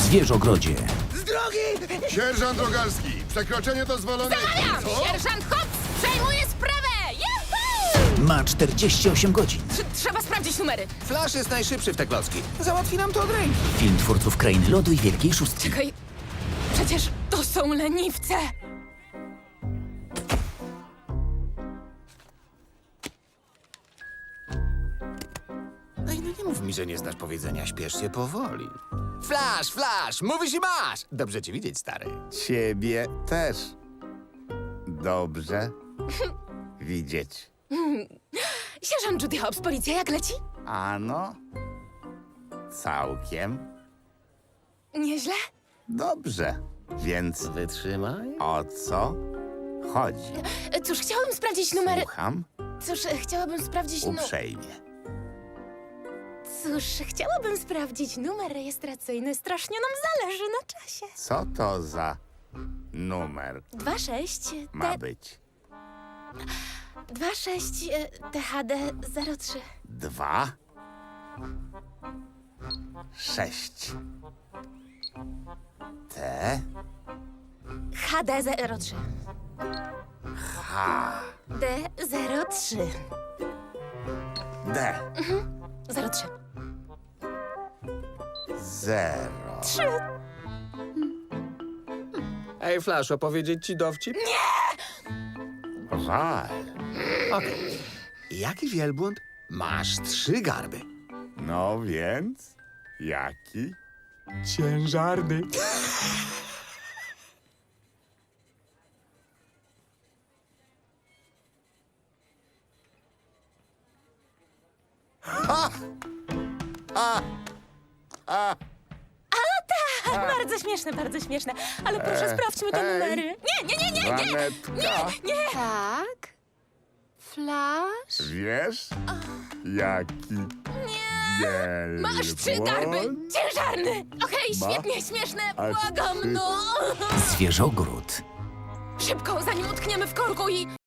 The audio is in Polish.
Zwierzogrodzie. Z drogi! Sierżant Rogalski, przekroczenie dozwolone... Zamawiam! Co? Sierżant Hobbs przejmuje sprawę! Juhu! Ma 48 godzin. Trzeba sprawdzić numery. Flash jest najszybszy w te klocki. Załatwi nam to od ręki. Film twórców Krainy Lodu i Wielkiej Szóstki. Czekaj, przecież to są leniwce! Ej, no nie mów mi, że nie znasz powiedzenia, śpiesz się powoli. Flash, Flash, mówisz i masz! Dobrze cię widzieć, stary. Ciebie też. Dobrze widzieć. Sierżant Judy Hobbs, policja jak leci? Ano, całkiem Nieźle? dobrze. Więc Wytrzymaj. o co chodzi? Cóż, chciałabym sprawdzić numery... Słucham Chciałabym sprawdzić uprzejmie. Chciałabym sprawdzić numer rejestracyjny. Strasznie nam zależy na czasie. Co to za numer 26 ma być? 26 THD 03. 2, 6. T, HD 03. H, D 03. D, 03. 0. 3. Ej, Flash, opowiedzieć ci dowcip? Żal. Okej. Jaki wielbłąd? Masz 3 garby. No więc, jaki? Ciężarny. Bardzo śmieszne, bardzo śmieszne. Ale proszę, sprawdźmy te numery. Nie! Żanetka, Nie! Tak? Flash? wiesz, jaki wielbłąd? Masz 3 garby! Ciężarny! Okej, Ma świetnie, śmieszne! aż Błagam, 3. no! Zwierzogród. Szybko, zanim utkniemy w korku i...